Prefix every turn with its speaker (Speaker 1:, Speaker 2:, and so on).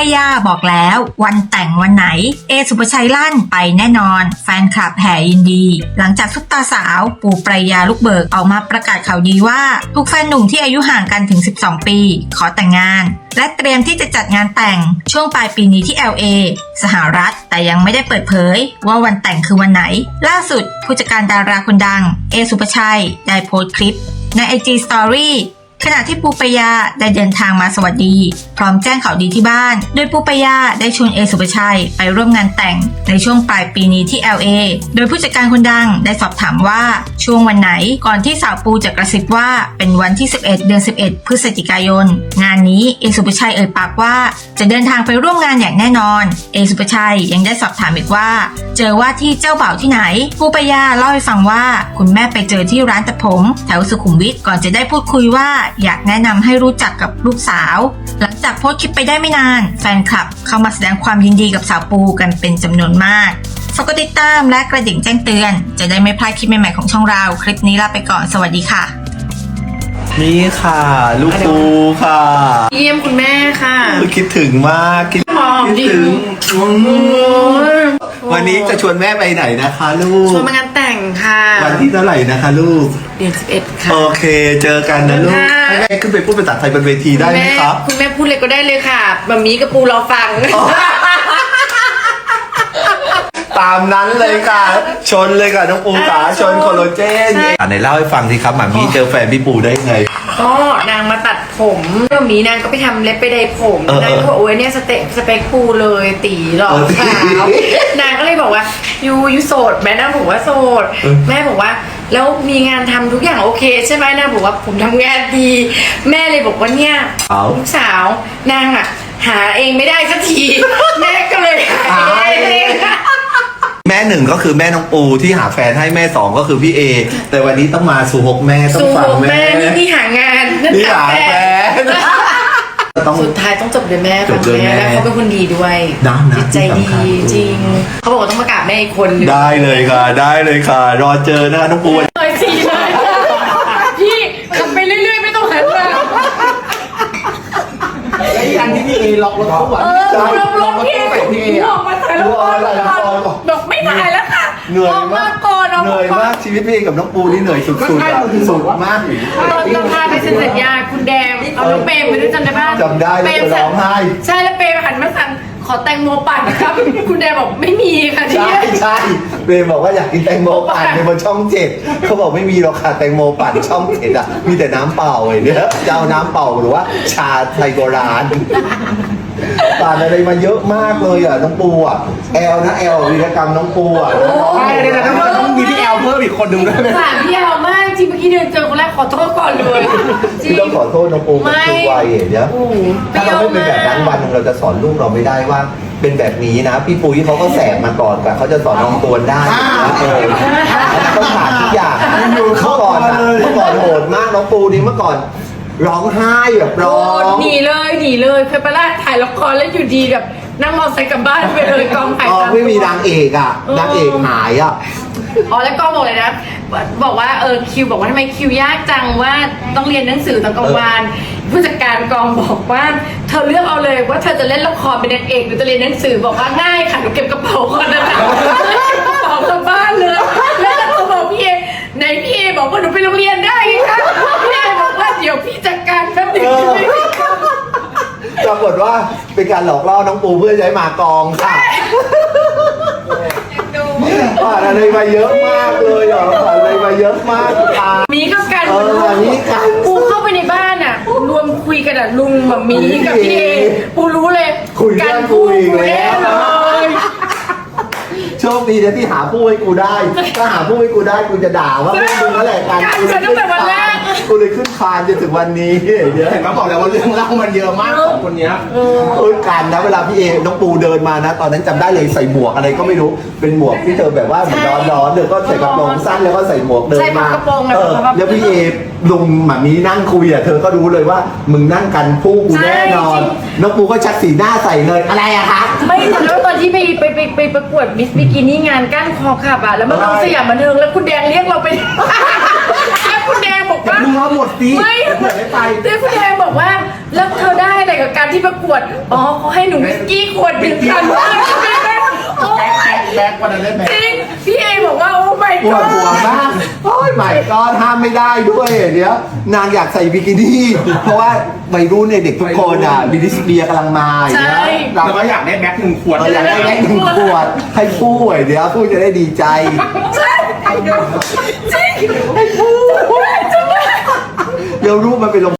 Speaker 1: ยาบอกแล้ววันแต่งวันไหนเอสุภชัยลั่นไปแน่นอนแฟนคลับแห่ยินดีหลังจากซุปตาสาวปูปรายาลูกเบิกออกมาประกาศข่าวดีว่าทุกแฟนหนุ่มที่อายุห่างกันถึง12ปีขอแต่งงานและเตรียมที่จะจัดงานแต่งช่วงปลายปีนี้ที่ LA สหรัฐแต่ยังไม่ได้เปิดเผยว่าวันแต่งคือวันไหนล่าสุดผู้จัดการดาราคนดังเอสุภชัยได้โพสต์คลิปใน IG Storyขณะที่ปูปายาได้เดินทางมาสวัสดีพร้อมแจ้งข่าวดีที่บ้านโดยปูปายาได้ชวนเอสุภชัยไปร่วมงานแต่งในช่วงปลายปีนี้ที่ LA โดยผู้จัดการคนดังได้สอบถามว่าช่วงวันไหนก่อนที่สาวปูจะกระซิบว่าเป็นวันที่11เดือน11พฤศจิกายนงานนี้เอสุภชัยเอ่ยปากว่าจะเดินทางไปร่วมงานอย่างแน่นอนเอสุภชัยยังได้สอบถามอีกว่าเจอว่าที่เจ้าบ่าวที่ไหนปูปายาเล่าให้ฟังว่าคุณแม่ไปเจอที่ร้านตัดผมแถวสุขุมวิทก่อนจะได้พูดคุยว่าอยากแนะนำให้รู้จักกับลูกสาวหลังจากโพสต์คลิปไปได้ไม่นานแฟนคลับเข้ามาแสดงความยินดีกับสาวปูกันเป็นจำนวนมากฝากกดติดตามและกระดิ่งแจ้งเตือนจะได้ไม่พลาดคลิปใหม่ๆของช่องเราคลิปนี้ลาไปก่อนสวัสดีค่ะ
Speaker 2: นี่ค่ะลูกปูค่ะ
Speaker 3: เยี่ยมคุณแม่ค่ะ
Speaker 2: คิดถึงมากคิดถึงวันนี้จะชวนแม่ไปไหนนะคะลูก
Speaker 3: ชวนมางานแต่งค่ะ
Speaker 2: วันที่เท่าไหร่นะคะลูก
Speaker 3: เดือน11ค่ะ
Speaker 2: โอเคเจอกันนะลูกให้แม่ขึ้นไปพูดภาษาไทยบนเวทีได้ไหมครับ
Speaker 3: คุณแม่พูดเลยก็ได้เลยค่ะแบบนี้กับปูรอฟัง
Speaker 2: ตามนั้นเลยค่ะชนเลยค่ะน้องปูขาชนโคโลเจนไหนเล่าให้ฟังสิครับหมามีเจอแฟนพี่ปูได้ไง
Speaker 3: ก็นางมาตัดผมก็มีนางก็ไปทำเล็บไปไดผมนางก็บอกโอ้ยเนี่ยสเปคปูเลยตีหรอนางก็เลยบอกว่ายูโสดแม่นางบอกว่าโสดแม่บอกว่าแล้วมีงานทำทุกอย่างโอเคใช่ไหมนางบอกว่าผมทำงานดีแม่เลยบอกว่าเนี่ยลูกสาวนางอ่ะหาเองไม่ได้สักทีแม่ก็เลยหาเอง
Speaker 2: แม่หนึ่งก็คือแม่น้องปูที่หาแฟนให้แม่สองก็คือพี่เอแต่วันนี้ต้องมาสู่หกแม่ต้องฟังแม่
Speaker 3: นี่หางาน
Speaker 2: นี่หาแฟน
Speaker 3: สุดท้ายต้องจบด้วยแม่ฟังแม่แล้วเขาเป็นคนดีด้วยจิตใจดีจริงเขาบอกว่าต้องมากราบแม่อีกคนนึง
Speaker 2: ได้เลยค่ะได้เลยค่ะรอเจอนะคะน้องปู
Speaker 3: เลยสิเลยพี่ทำไปเรื่อยๆไม่ต้องหันมา
Speaker 4: ไอ้อันที่พี่เอล็อกรถทุกวัน
Speaker 3: ล็อกพี่ออกมาถ่ายละครบอกไม่ถ่ายแล้วค่ะ
Speaker 2: เหนื่อยมากเหนื่อยมากชีวิตพี่เอกับน้องปูนี่เหนื่อยสุดๆสุดมาก
Speaker 3: ตอนพาไปเซ็นสัญญาคุณแดงเอาน้องเปรมไปด้วยจำได้ป่ะ
Speaker 2: จำได้เลยร้องไห้
Speaker 3: ใช่แล้วเปรมหันมาสั่งขอแตงโมปั่นครับคุณแดงบอกไม่มีค่ะที่
Speaker 2: ใช่เปรมบอกว่าอยากกินแตงโมปั่นในบนช่อง7เขาบอกไม่มีหรอกค่ะแตงโมปั่นช่อง7อ่ะมีแต่น้ำเปล่าไอ้เนี่ยจะเอาน้ำเปล่าหรือว่าชาไทยโบราณปั่นอะไรมาเยอะมากเลยอ่ะน้องปูอ่ะแอลนะแอลวีรกรรมน้องปูอ่ะ
Speaker 4: ใช่เลยนะต้องมีพี่แอลเพิ่มอีกคนนึงด้วย
Speaker 3: ค่ะพี่แอลมากจริงเมื่อกี้เดินเจอคนแรกขอโทษก่อนเลย
Speaker 2: ที่ต้องขอโทษน้องปูกับครูวัยเดี๋ยวถ้าเราไม่เป็นแบบนั้นวันนึงเราจะสอนลูกเราไม่ได้ว่าเป็นแบบนี้นะพี่ปุ้ยเขาก็แสบมาก่อนแต่เขาจะสอนน้องตวนได้นะต้องผ่านทุกอย่างเมื่อก่อนโหดมากน้องปูนี่เมื่อก่อนร้องไห้แบบร้อง
Speaker 3: หนีเลยเคยไปล่าถ่ายละครแล้วอยู่ดีแบบนั่งมอเตอร์ไซค์กลับบ้านไปเลยกองถ่าย
Speaker 2: ไม่มีนางเอกอ่ะนางเอกหายอ่ะ
Speaker 3: แล้วก็บอกเลยนะบอกว่าคิวบอกว่าทำไมคิวยากจังว่าต้องเรียนหนังสือตอนกลางวันผู้จัดการกองบอกว่าเธอเลือกเอาเลยว่าเธอจะเล่นละครเป็นนางเอกหรือจะเรียนหนังสือบอกว่าง่ายค่ะหนูเก็บกระเป๋าก่อนนะคะกระเป๋ากลับบ้านเลยแล้วก็บอกพี่เอในพี่เอบอกว่าหนูไปโรงเรียนได้ค่ะพี่เอบอกว่าเดี๋ยวพี่จัดการแป๊บนึง
Speaker 2: ปรากฏว่าเป็นการหลอกล่อน้องปูเพื่อใช้มากองค่ะผ่านอะไรมาเยอะมากเลยผ่านอะไรมาเยอะมาก
Speaker 3: มีก็กัน
Speaker 2: มีกัน
Speaker 3: ปูเข้าไปในบ้านอ่ะรวมคุยกันอ่ะลุงแบบมีกับพี่เอปูรู้เลย
Speaker 2: กันคุยแล้วโชคดีนะที่หาผู้ให้กูได้ถ้าหาผู้ให้กูได้กูจะด่าว่าไม่มึงนั่นแหละการกูเลยขึ้นคานจนถึงวันนี้
Speaker 4: เห็นไหมบอกแล้วว่าเรื่องเล่ามันเยอะมากของคนนี้
Speaker 2: การนะเวลาพี่เอน้องปูเดินมานะตอนนั้นจำได้เลยใส่หมวกอะไรก็ไม่รู้เป็นหมวกที่เธอแบบว่าเหมือนร้อนเดี๋ยวก็ใส่กระโปรงสั้นแล้วก็ใส่หมวกเดินมาแล้วพี่เอลุงหมามีนั่งคุยอ่ะเธอก็รู้เลยว่ามึงนั่งกันผู้กูแน่นอนน้องปูก็ชักสีหน้าใส่เลยอะไรอะคะ
Speaker 3: ไม่แต่แล้วตอนที่ไปประกวดมิสบิกินี่งานก้านคอขับอ่ะแล้วมันต้องสยามบันเทิงแล้วคุณแดงเรียกเราไปแล้วคุณแดงบอกว่า
Speaker 4: มึงเอาหมดสิ
Speaker 3: ไม่
Speaker 4: เผื่อได้ไป
Speaker 3: เต้พี่แดงบอกว่าแล้วเธอได้อะไรกับการที่ประกวดอ๋อเขาให้หนูวิสกี้ขวดหนึ่งคันโอ้
Speaker 4: แบ็ควันนั้นเล่นแบ็ค
Speaker 3: จริงพี่เอบอกว่าโอ้ my
Speaker 2: ปวด
Speaker 3: god
Speaker 2: หัวมากโอ้ยใหม่ก็ห้ามไม่ได้ด้วยเดี๋ยวนางอยากใส่บิกินี่ เพราะว่าวัยรุ่นเนี่ยเด็กทุกคนอ่ะบิลิสเบียกำลังมาอย่างเงี้ย
Speaker 4: เรา
Speaker 2: เรา
Speaker 4: ก็อยากได้แบ็ค1 ขวด
Speaker 2: อยากได้แค่หนึ่งขวดให้พูดเดี๋ยวพูดจะได้ดีใจ
Speaker 3: ใช่จริง
Speaker 2: เดี๋ยวรูปมันไปลง